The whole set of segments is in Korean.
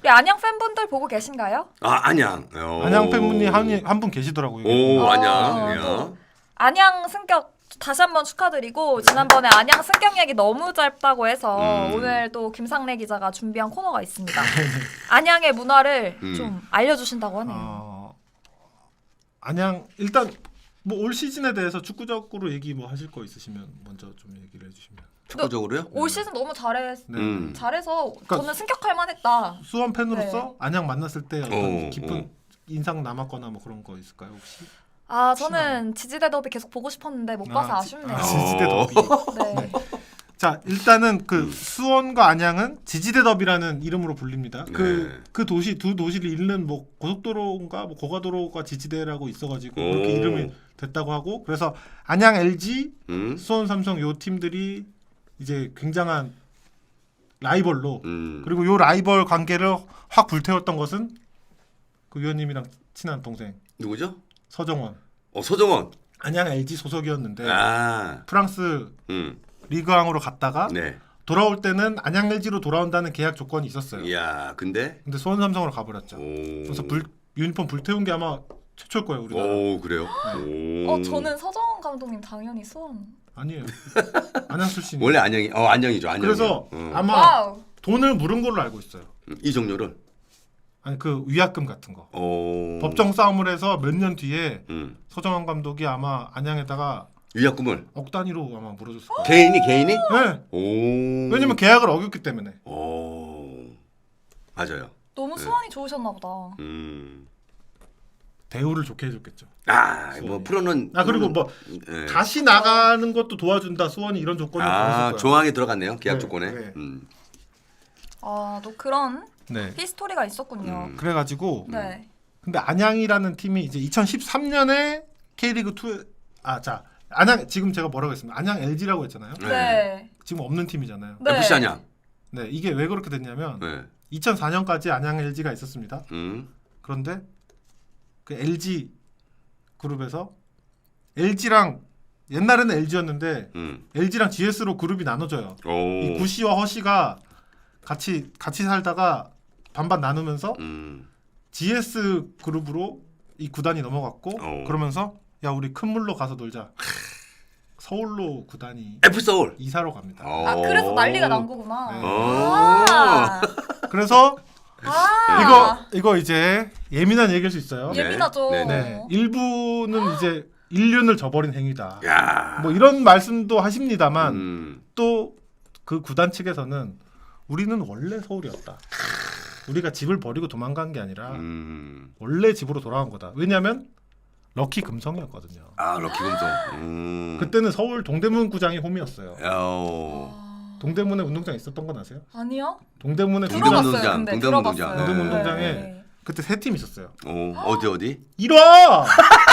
우리 안양 팬분들 보고 계신가요? 아 안양. 안양 팬분이 한 분 계시더라고요. 오 안양. 또 안양 승격 다시 한번 축하드리고 지난번에 안양 승격 얘기 너무 짧다고 해서 오늘 또 김상래 기자가 준비한 코너가 있습니다. 안양의 문화를 좀 알려주신다고 하네요. 안양 일단 뭐 올 시즌에 대해서 축구적으로 얘기 뭐 하실 거 있으시면 먼저 좀 얘기를 해주시면. 축구적으로요? 올 시즌 너무 잘해서 그러니까 저는 승격할 만했다. 수원 팬으로서 네. 안양 만났을 때 어떤 깊은 인상 남았거나 뭐 그런 거 있을까요 혹시? 아 저는 지지대 더비 계속 보고 싶었는데 못 봐서 아쉽네요. 지지대 더비. 네. 자 일단은 그 수원과 안양은 지지대 더비라는 이름으로 불립니다. 네. 그 도시 두 도시를 잇는 뭐 고속도로인가 뭐 고가도로가 지지대라고 있어가지고 그렇게 이름이 됐다고 하고 그래서 안양 LG, 수원 삼성 요 팀들이 이제 굉장한 라이벌로 그리고 요 라이벌 관계를 확 불태웠던 것은 그 위원님이랑 친한 동생 누구죠? 서정원. 서정원. 안양 LG 소속이었는데 아. 프랑스 리그왕으로 갔다가 네. 돌아올 때는 안양 LG로 돌아온다는 계약 조건이 있었어요. 이야 근데 수원 삼성으로 가버렸죠. 그래서 유니폼 불태운 게 아마 최초일 거예요 우리나라. 오 그래요? 오. 저는 서정원 감독님 당연히 수원. 아니에요. 안양 출신. 원래 안양이 안양이죠. 안양. 그래서 아마 와우. 돈을 물은 걸로 알고 있어요. 이정료를. 아니 그 위약금 같은 거. 오. 법정 싸움을 해서 몇 년 뒤에 서정원 감독이 아마 안양에다가 위약금을 억 단위로 아마 물어줬을 거예요. 개인이? 네. 오. 왜냐면 계약을 어겼기 때문에. 오. 맞아요. 너무 수원이 좋으셨나 보다. 대우를 좋게 해줬겠죠. 뭐 프로는 그리고 뭐 네. 다시 나가는 것도 도와준다. 수원이 이런 조건을 걸었을 거예요. 조항에 들어갔네요. 계약 네, 조건에. 네. 또 그런 네. 히스토리가 있었군요. 그래가지고 네. 근데 안양이라는 팀이 이제 2013년에 K리그 2 안양 지금 제가 뭐라고 했습니까? 안양 LG라고 했잖아요. 네. 지금 없는 팀이잖아요. 네. FC 안양. 네, 이게 왜 그렇게 됐냐면 네. 2004년까지 안양 LG가 있었습니다. 그런데 그 LG 그룹에서 LG랑 옛날에는 LG였는데 LG랑 GS로 그룹이 나눠져요. 이 구시와 허시가 같이 살다가 반반 나누면서 GS 그룹으로 이 구단이 넘어갔고 그러면서 야 우리 큰 물로 가서 놀자. 서울로 구단이 F 서울 이사로 갑니다. 그래서 난리가 난 거구나. 네. 그래서 이거 이제 예민한 얘기일 수 있어요. 예민하죠. 네. 일부는 이제 인륜을 저버린 행위다. 야. 뭐 이런 말씀도 하십니다만 또 그 구단 측에서는 우리는 원래 서울이었다. 우리가 집을 버리고 도망간 게 아니라 원래 집으로 돌아간 거다. 왜냐하면 럭키 금성이었거든요. 럭키 금성. 그때는 서울 동대문 구장이 홈이었어요. 야. 동대문에 운동장 있었던 건 아세요? 아니요. 동대문에 들어봤어요. 들어봤어요. 근데 동대문 들어봤어요. 운동장. 동대문 네. 운동장에 네. 그때 세 팀 있었어요. 어디? 1화!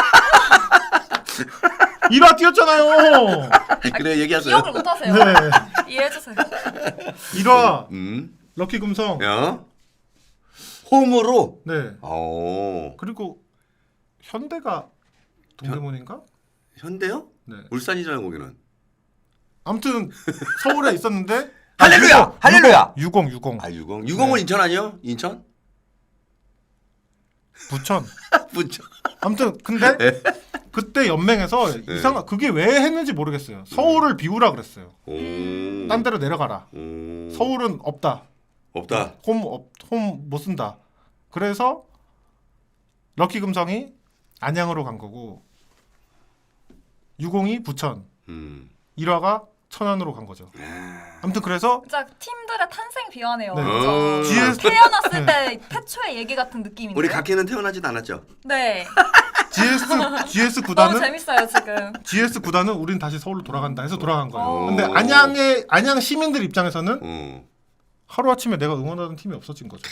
1화 뛰었잖아요. 그래 얘기하세요. 기억을 못하세요. 네. 이해해주세요. 1화 럭키 금성. 야. 홈으로. 네. 오. 그리고 현대가 동대문인가? 현대요? 네. 울산이잖아요 거기는. 아무튼 서울에 있었는데 할렐루야! 할렐루야! 60. 유공은 인천 아니요? 인천? 부천. 부천. 아무튼 근데 그때 연맹에서 이상한 그게 왜 했는지 모르겠어요. 서울을 비우라 그랬어요. 딴 데로 내려가라. 서울은 없다. 홈 못 쓴다. 그래서 럭키 금성이 안양으로 간 거고 60이 부천, 1화가 천안으로 간 거죠. 아무튼 그래서 진짜 팀들의 탄생 비화네요. 네. 그렇죠? GS 태어났을 때 태초의 얘기 같은 느낌인데. 우리 각희는 태어나지도 않았죠? 네. GS 너무 구단은 재밌어요 지금. GS 구단은 우린 다시 서울로 돌아간다 해서 돌아간 거예요. 오. 근데 안양 시민들 입장에서는 하루아침에 내가 응원하던 팀이 없어진 거죠.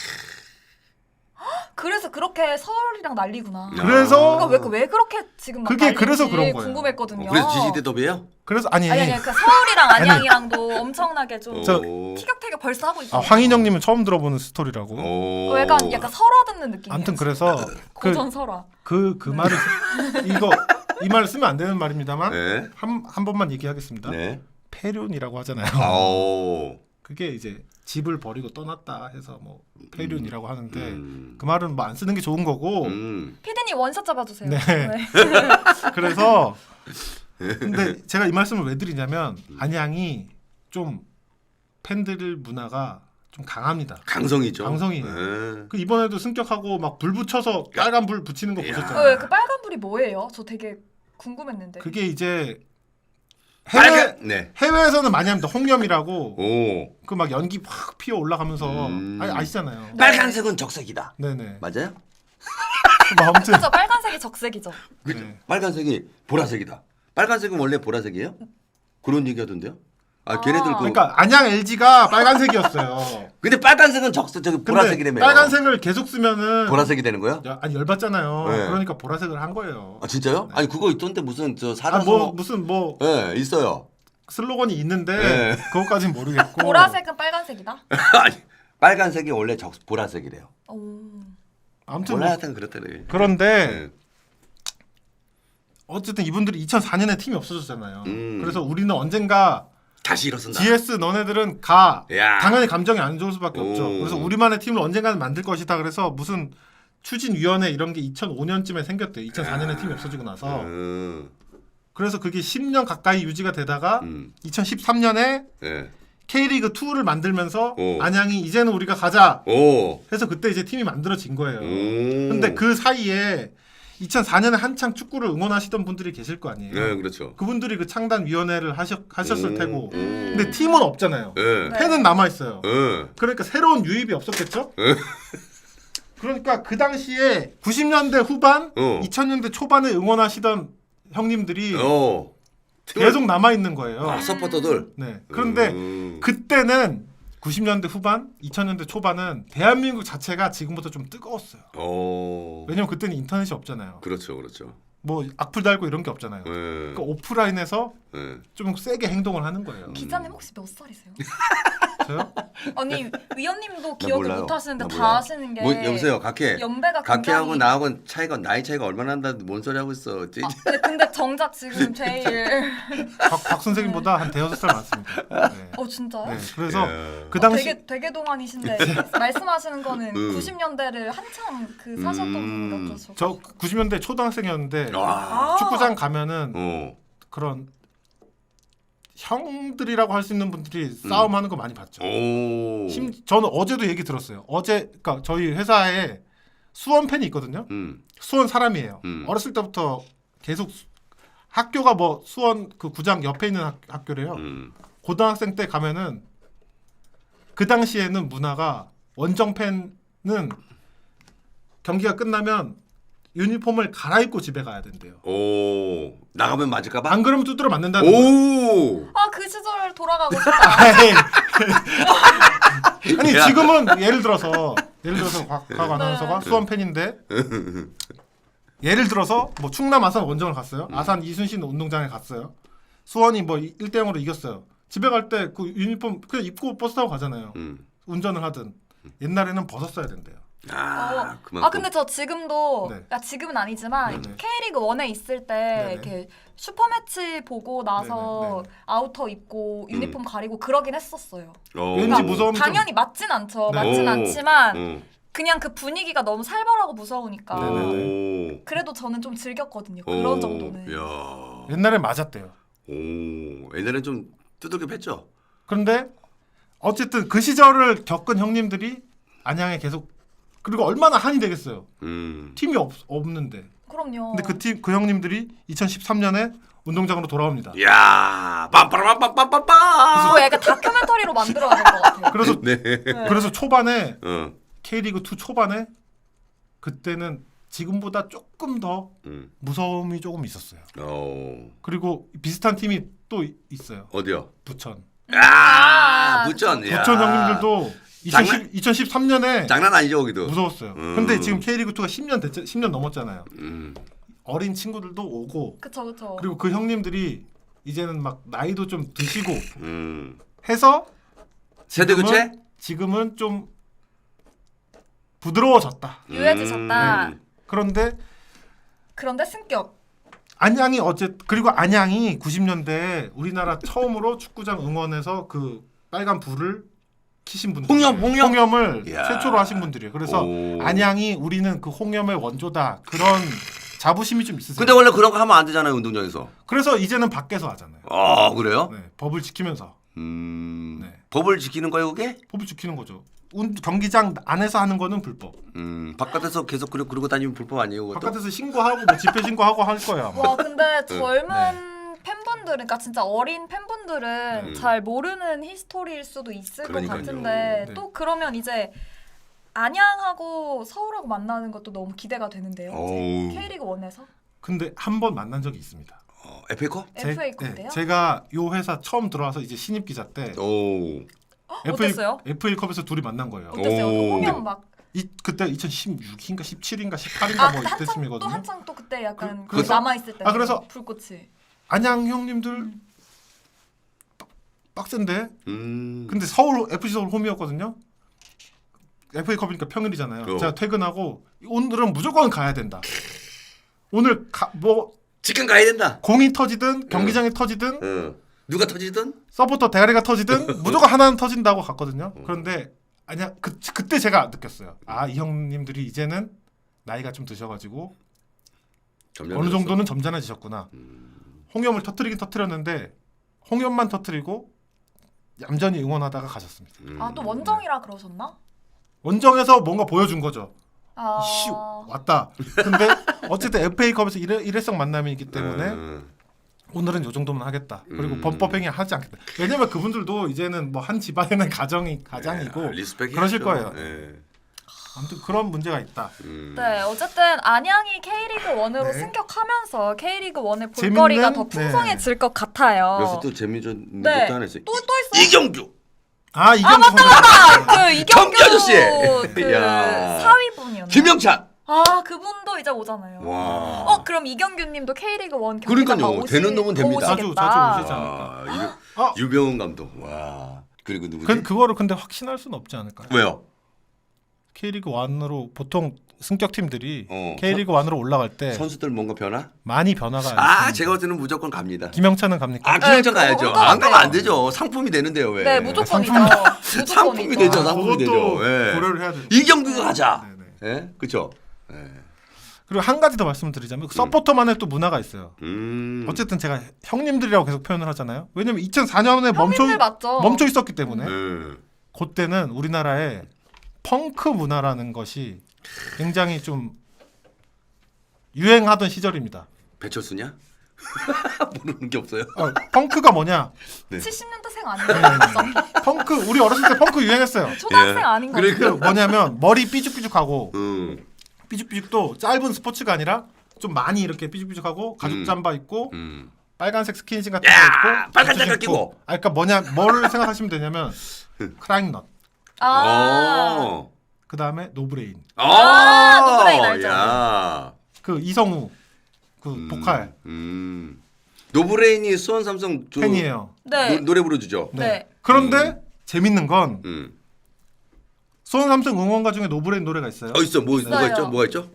그래서 그렇게 서울이랑 난리구나. 그래서 그러니까 왜 그렇게 지금 막 그게 난리인지 그래서 그런 거예요. 궁금했거든요. 그래서 지지대 더비예요? 그래서 아니 그러니까 서울이랑 안양이랑도 엄청나게 좀 저- 티격태격 벌써 하고 있어요. 황인영님은 처음 들어보는 스토리라고. 약간 설화 듣는 느낌. 아무튼 그래서 고전 설화. 그 말을 이 말을 쓰면 안 되는 말입니다만 네. 한 번만 얘기하겠습니다. 네. 폐륜이라고 하잖아요. 그게 이제 집을 버리고 떠났다 해서 뭐 폐륜이라고 하는데 그 말은 뭐 안 쓰는 게 좋은 거고. 피디님 원샷 잡아주세요. 네. 그래서 근데 제가 이 말씀을 왜 드리냐면 안양이 좀 팬들 문화가 좀 강합니다. 강성이죠. 강성이에요. 네. 그 이번에도 승격하고 막 불 붙여서 빨간 불 붙이는 거 야. 보셨잖아요. 그 빨간 불이 뭐예요? 저 되게 궁금했는데. 그게 이제 네. 해외에서는 많이 합니다. 홍염이라고 오. 그 막 연기 확 피어 올라가면서 아시잖아요. 빨간색은 적색이다. 네네. 맞아요? 뭐 아무튼 그죠? 빨간색이 적색이죠. 네. 빨간색이 보라색이다. 빨간색은 원래 보라색이에요? 그런 얘기하던데요? 아, 걔네들 그. 그러니까 안양 LG가 빨간색이었어요. 근데 빨간색은 적색 저기 근데 보라색이라며. 빨간색을 계속 쓰면은 보라색이 되는 거야? 아니 열받잖아요. 네. 그러니까 보라색을 한 거예요. 아 진짜요? 네. 아니 그거 있던데 무슨 저 아, 사라서. 뭐 무슨 뭐 네 있어요. 슬로건이 있는데 네. 그것까진 모르겠고. 보라색은 빨간색이다. 아니 빨간색이 원래 보라색이래요. 오. 아무튼 원래 뭐 하여튼 그렇다네. 그런데 네. 어쨌든 이분들이 2004년에 팀이 없어졌잖아요. 음. 그래서 우리는 언젠가 다시 일어선다. GS 너네들은 가. 야. 당연히 감정이 안 좋을 수밖에 없죠. 오. 그래서 우리만의 팀을 언젠가는 만들 것이다. 그래서 무슨 추진위원회 이런 게 2005년쯤에 생겼대요. 2004년에 팀이 없어지고 나서. 그래서 그게 10년 가까이 유지가 되다가 2013년에 네. K리그 2를 만들면서 오. 안양이 이제는 우리가 가자 오. 해서 그때 이제 팀이 만들어진 거예요. 오. 근데 그 사이에 2004년에 한창 축구를 응원하시던 분들이 계실 거 아니에요. 네 그렇죠. 그분들이 그 창단 위원회를 하셨을 테고. 음. 근데 팀은 없잖아요. 네. 팬은 남아 있어요. 네. 그러니까 새로운 유입이 없었겠죠? 그러니까 그 당시에 90년대 후반, 2000년대 초반에 응원하시던 형님들이 계속 남아 있는 거예요. 아 서포터들. 네. 그런데 그때는 90년대 후반, 2000년대 초반은 대한민국 자체가 지금보다 좀 뜨거웠어요. 왜냐면 그때는 인터넷이 없잖아요. 그렇죠, 그렇죠. 뭐 악플 달고 이런 게 없잖아요. 네. 그러니까 오프라인에서 네. 좀 세게 행동을 하는 거예요. 기자님 혹시 몇 살이세요? 저요? 아니 위원님도 기억을 몰라요. 못 하시는데 나 다 몰라요. 하시는 게 뭐, 여보세요, 각해. 연배가 각해하고 굉장히 나하고 차이가 나이 차이가 얼마나 난다 뭔 소리 하고 있어. 근데 정작 지금 제일 박 선생님보다 한 대여섯 살 많습니다. 네. 진짜요? 네. 그래서 예. 그 당시 되게 동안이신데 말씀하시는 거는 90년대를 한창 그 사셨던 분 같아서 저 90년대 초등학생이었는데 와. 축구장 가면은 어. 그런 형들이라고 할 수 있는 분들이 싸움하는 거 많이 봤죠. 오. 저는 어제도 얘기 들었어요. 그러니까 저희 회사에 수원 팬이 있거든요. 수원 사람이에요. 어렸을 때부터 계속 학교가 뭐 수원 그 구장 옆에 있는 학교래요. 고등학생 때 가면은 그 당시에는 문화가 원정 팬은 경기가 끝나면 유니폼을 갈아입고 집에 가야 된대요. 오. 나가면 맞을까봐? 안 그러면 두드려 맞는다는 거예요. 오. 그 시절 돌아가고 싶다. 아니 야. 지금은 예를 들어서 곽 아나운서가 네. 수원 팬인데 예를 들어서 뭐 충남 아산 원정을 갔어요. 아산 이순신 운동장에 갔어요. 수원이 뭐 1대0으로 이겼어요. 집에 갈 때 그 유니폼 그냥 입고 버스 타고 가잖아요. 운전을 하든 옛날에는 벗었어야 된대요. 그만큼. 근데 저 지금도 네. 지금은 아니지만 네네. K리그 1에 있을 때 네네. 이렇게 슈퍼매치 보고 나서 네네. 아우터 입고 유니폼 가리고 그러긴 했었어요. 왠지 무서움이 좀- 당연히 맞진 않죠. 네. 맞진 오. 않지만 그냥 그 분위기가 너무 살벌하고 무서우니까 오. 그래도 저는 좀 즐겼거든요. 그런 정도는. 야. 옛날에 맞았대요. 오. 옛날엔 좀 두들겨 팼죠. 그런데 어쨌든 그 시절을 겪은 형님들이 안양에 계속 그리고 얼마나 한이 되겠어요. 팀이 없는데. 그럼요. 근데 그 형님들이 2013년에 운동장으로 돌아옵니다. 야. 빰빠라빰빰빰빰빰. 그거 약간 다큐멘터리로 만들어야 될 것 같아요. 그래서 네. 그래서 초반에 어. K리그 2 초반에 그때는 지금보다 조금 더 무서움이 조금 있었어요. 그리고 비슷한 팀이 또 있어요. 어디요? 부천. 부천. 야. 부천 형님들도 장난- 2013년에 장난 아니죠, 거기도. 무서웠어요. 근데 지금 K리그 2가 10년 넘었잖아요. 어린 친구들도 오고 그쵸. 그리고 그 형님들이 이제는 막 나이도 좀 드시고 해서 세대 교체? 지금은 좀 부드러워졌다. 유해지셨다. 그런데 그런데 승격. 안양이 그리고 안양이 90년대 우리나라 처음으로 축구장 응원에서 그 빨간 불을 키신 분들. 홍염을 이야. 최초로 하신 분들이에요. 그래서 오. 안양이 우리는 그 홍염의 원조다. 그런 자부심이 좀 있으세요. 근데 원래 그런 거 하면 안 되잖아요, 운동장에서. 그래서 이제는 밖에서 하잖아요. 아, 그래요? 네, 법을 지키면서. 네. 법을 지키는 거예요, 그게? 법을 지키는 거죠. 경기장 안에서 하는 거는 불법. 바깥에서 계속 그러고 다니면 불법 아니에요, 그것도? 바깥에서 신고하고 뭐 집회 신고하고 할 거예요. 아마. 와 근데 젊은 네. 팬분들은 그러니까 진짜 어린 팬분들은 잘 모르는 히스토리일 수도 있을 그러니까요. 것 같은데 네. 또 그러면 이제 안양하고 서울하고 만나는 것도 너무 기대가 되는데요. 어우. K리그 1에서 근데 한 번 만난 적이 있습니다. FA컵? FA컵인데요? 제가 요 회사 처음 들어와서 이제 신입 기자 때 오. 어땠어요? FA컵에서 둘이 만난 거예요. 어땠어요? 그 오. 홍영 막 그때 2016인가 17인가 18인가 아, 뭐 한창 또 이때쯤이거든요. 한창 또 그때 약간 그래서- 남아 있을 때. 그래서- 불꽃이. 안양 형님들 빡센데. 음. 근데 서울 FC 서울 홈이었거든요. FA컵이니까 평일이잖아요. 제가 퇴근하고 오늘은 무조건 가야 된다. 오늘 뭐 치킨 가야 된다. 공이 터지든 경기장이 터지든 누가 터지든? 서포터 대가리가 터지든 무조건 하나는 터진다고 갔거든요. 그런데 아니야 그때 제가 느꼈어요. 아, 이 형님들이 이제는 나이가 좀 드셔가지고 어느 정도는 점잖아지셨구나. 홍염을 터뜨리긴 터뜨렸는데 홍염만 터뜨리고 얌전히 응원하다가 가셨습니다. 아 또 원정이라 그러셨나? 원정에서 뭔가 보여준 거죠. 아. 이씨 왔다. 근데 어쨌든 FA컵에서 일회성 만남이기 때문에 오늘은 요 정도만 하겠다. 그리고 범법행위 하지 않겠다. 왜냐면 그분들도 이제는 뭐 한 집안에는 가장이고 리스펙 그러실 해야죠. 거예요. 예. 아무튼 그런 문제가 있다. 네, 어쨌든 안양이 K리그 1으로 네. 승격하면서 K리그 1의 재밌는- 볼거리가 더 풍성해질 것 같아요. 그래서 또 재미있는 네. 것도 하나 있어요. 또 있어요? 이경규. 아 이경규 선수. 그 이경규 경기 아저씨! 그 야. 사위분이었나요? 김영찬. 아 그분도 이제 오잖아요. 와. 그럼 이경규님도 K리그 1 그러니까요. 되는 놈은 됩니다. 자주 오시지 않을까. 와, 유병훈 감독. 와. 그리고 누구지? 그거를 근데 확신할 수는 없지 않을까요? 왜요? K리그 1으로 보통 승격 팀들이 어. K리그 1으로 올라갈 때 선수들 뭔가 변화? 많이 변화가 아, 있습니다. 제가 볼 때는 무조건 갑니다. 김영찬은 갑니까? 아, 김영찬 네, 가야죠. 그거 안 가면 안 같아요. 되죠. 상품이 되는데요, 왜? 네 무조건이죠. 상품이 되죠. 상품이 되죠. 그것도 예. 고려를 해야 돼요. 이경규가 가자. 네네. 예? 그렇죠? 그리고 한 가지 더 말씀드리자면 서포터만의 또 문화가 있어요. 어쨌든 제가 형님들이라고 계속 표현을 하잖아요. 왜냐면 2004년에 형님들 맞죠? 멈춰 있었기 때문에 네. 그때는 우리나라에 펑크 문화라는 것이 굉장히 좀 유행하던 시절입니다. 배철수냐? 모르는 게 없어요. 펑크가 뭐냐? 70년대생 아니에요? 펑크 우리 어렸을 때 펑크 유행했어요. 초등학생 예. 아닌 거 그 뭐냐면 머리 삐죽삐죽하고 음. 삐죽삐죽도 짧은 스포츠가 아니라 좀 많이 이렇게 삐죽삐죽하고 가죽 잠바 입고 빨간색 스킨십 같은 거 야, 입고 빨간 부츠 장갑 입고. 끼고. 아 그러니까 뭐냐 뭘 생각하시면 되냐면 크라잉넛 아. 그다음에 노브레인 노브레인 알죠? 야. 그 이성우 그 보컬 노브레인이 수원 삼성 팬이에요. 네. 노래 불러주죠. 네. 그런데 재밌는 건 음. 수원 삼성 응원가 중에 노브레인 노래가 있어요. 있어. 뭐가 있어요. 있죠? 뭐가 있죠?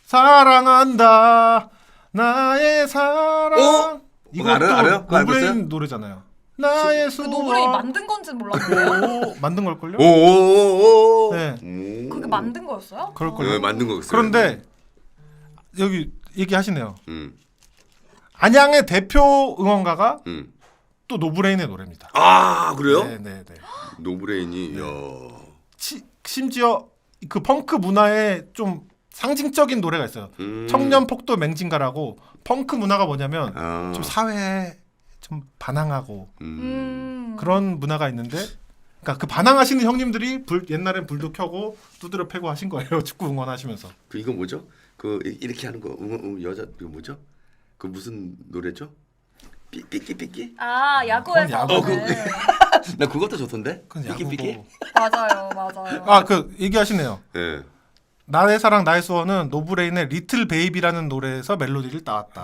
사랑한다 나의 사랑 이것도 알아요? 그거 알고 있어요? 노브레인 노래잖아요. 나의 그 수원 노브레인 만든 건지는 몰랐는데 만든 걸걸요? 오오오오. 네. 그게 만든 거였어요? 그럴걸요? 네, 만든 거였어요. 그런데 여기 얘기하시네요. 음. 안양의 대표 응원가가 음. 또 노브레인의 노래입니다. 아, 그래요? 네네네. 노브레인이 야. 심지어 그 펑크 문화의 좀 상징적인 노래가 있어요. 청년 폭도 맹진가라고 펑크 문화가 뭐냐면 아. 좀 사회에 좀 반항하고 그런 문화가 있는데, 그러니까 그 반항하시는 형님들이 옛날엔 불도 켜고 두드려 패고 하신 거예요. 축구 응원하시면서. 그 이거 뭐죠? 그 이렇게 하는 거 여자 이거 뭐죠? 그 무슨 노래죠? 삐끼삐끼? 아 야구에서 그건 야구. 하는. 나 그것도 좋던데. 그건 삐끼삐끼? 야구고. 맞아요. 아 그 얘기하시네요. 예. 나의 사랑 나의 수원은 노브레인의 리틀 베이비라는 노래에서 멜로디를 따왔다.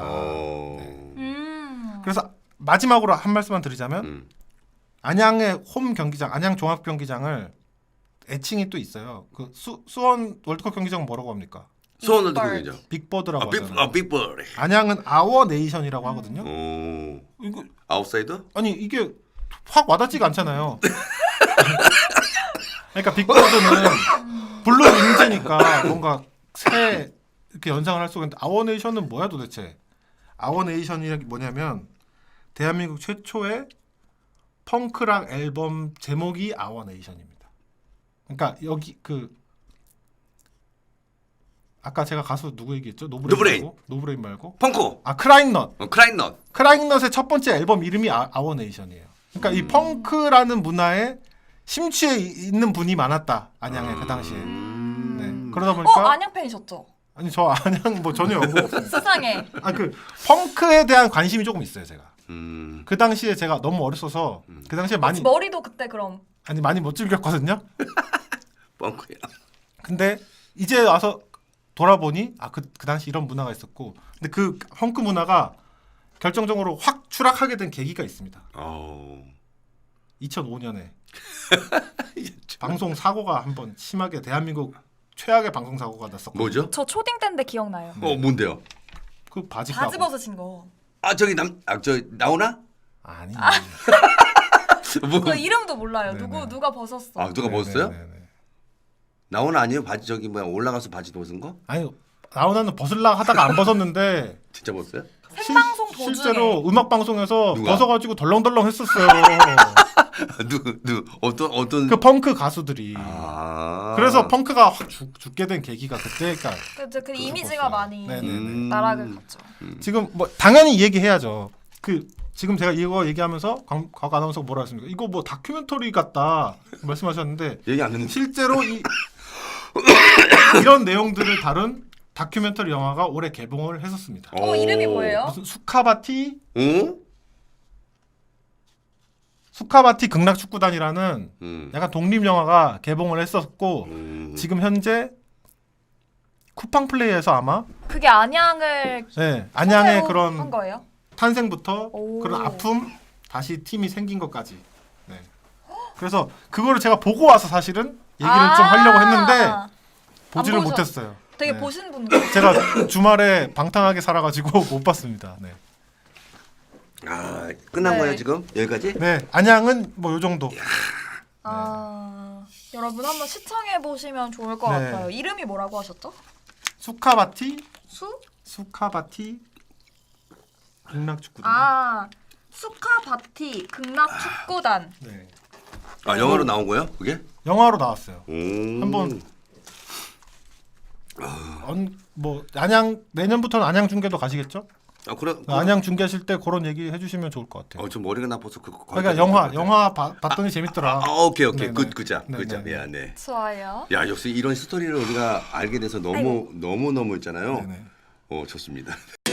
그래서 마지막으로 한 말씀만 드리자면 안양의 홈 경기장, 안양 종합 경기장을 애칭이 또 있어요. 그 수원 월드컵 경기장 뭐라고 합니까? 수원 월드컵이죠. 빅버드라고 하잖아요. 빅볼. 안양은 아워 네이션이라고 하거든요. 오. 이거 아웃사이더? 아니 이게 확 와닿지가 않잖아요. 그러니까 빅보드는 블루 윙즈니까 뭔가 새 이렇게 연상을 할 수가 있는데 아워네이션은 뭐야 도대체? 아워네이션이 뭐냐면 대한민국 최초의 펑크락 앨범 제목이 아워네이션입니다. 그러니까 여기 그 아까 제가 가수 누구 얘기했죠? 노브레인 말고 펑크. 크라잉넛. 크라잉넛. 크라잉넛의 첫 번째 앨범 이름이 아워네이션이에요. 그러니까 이 펑크라는 문화에 심취해 있는 분이 많았다. 안양에 그 당시에. 네. 그러다 보니까 안양 팬이셨죠? 아니 저 안양 뭐 전혀 세상에. 그 펑크에 대한 관심이 조금 있어요 제가. 음. 그 당시에 제가 너무 어렸어서 그 당시에 많이 머리도 그때 그럼. 많이 못 즐겼거든요. 펑크야. 근데 이제 와서 돌아보니 그 당시 이런 문화가 있었고, 근데 그 펑크 문화가 결정적으로 확 추락하게 된 계기가 있습니다. 2005년에 방송 사고가 한번 심하게 대한민국 최악의 방송 사고가 났었거든요. 뭐죠? 저 초딩 때인데 기억나요. 뭔데요? 그 바지 벗으신 거. 저기 나오나? 아니. 뭐? 그 이름도 몰라요. 네네. 누가 벗었어. 누가 벗었어요? 네네네. 나오나 아니에요? 바지 저기 올라가서 바지 벗은 거? 아니 나오나는 벗으려고 하다가 안 벗었는데 진짜 벗었어요? 생방송 도중에. 실제로 음악 방송에서 누가? 벗어가지고 덜렁덜렁 했었어요. 어떤 그 펑크 가수들이. 아. 그래서 펑크가 확 죽게 된 계기가 그때니까. 그 이미지가 많이 네네네. 나락을 갔죠. 지금 뭐 당연히 이 얘기 해야죠. 지금 제가 이거 얘기하면서 곽 아나운서가 뭐라 했습니까? 이거 뭐 다큐멘터리 같다 말씀하셨는데 얘기 안 했는데. 실제로 이런 내용들을 다룬 다큐멘터리 영화가 올해 개봉을 했었습니다. 이름이 뭐예요? 무슨 수카바티 응? 극락축구단이라는 약간 독립 영화가 개봉을 했었고 지금 현재 쿠팡플레이에서 아마 그게 안양을 안양의 한 그런 거예요? 탄생부터 오. 그런 아픔 다시 팀이 생긴 것까지. 네. 그래서 그거를 제가 보고 와서 사실은 얘기를 좀 하려고 했는데 보지를 안 보셔- 못했어요. 되게 네. 보신 분 같아요. 제가 주말에 방탕하게 살아가지고 못 봤습니다. 네. 끝난 네. 거예요 지금 여기까지? 네, 안양은 뭐 요 정도. 여러분 한번 시청해 보시면 좋을 것 네. 같아요. 이름이 뭐라고 하셨죠? 수카바티 극락축구단. 수카바티 극락축구단. 네. 영화로 나온 거예요? 그게? 영화로 나왔어요. 한번 뭐 안양 내년부터는 안양 중계도 가시겠죠? 그래. 안양 중계하실 때 그런 얘기 해주시면 좋을 것 같아요. 좀 머리가 나빠서 그러니까 영화 봤더니 재밌더라. 오케이. 네네. 그자. 네네. 야, 네. 좋아요. 야, 역시 이런 스토리를 우리가 알게 돼서 너무 있잖아요. 네네. 좋습니다.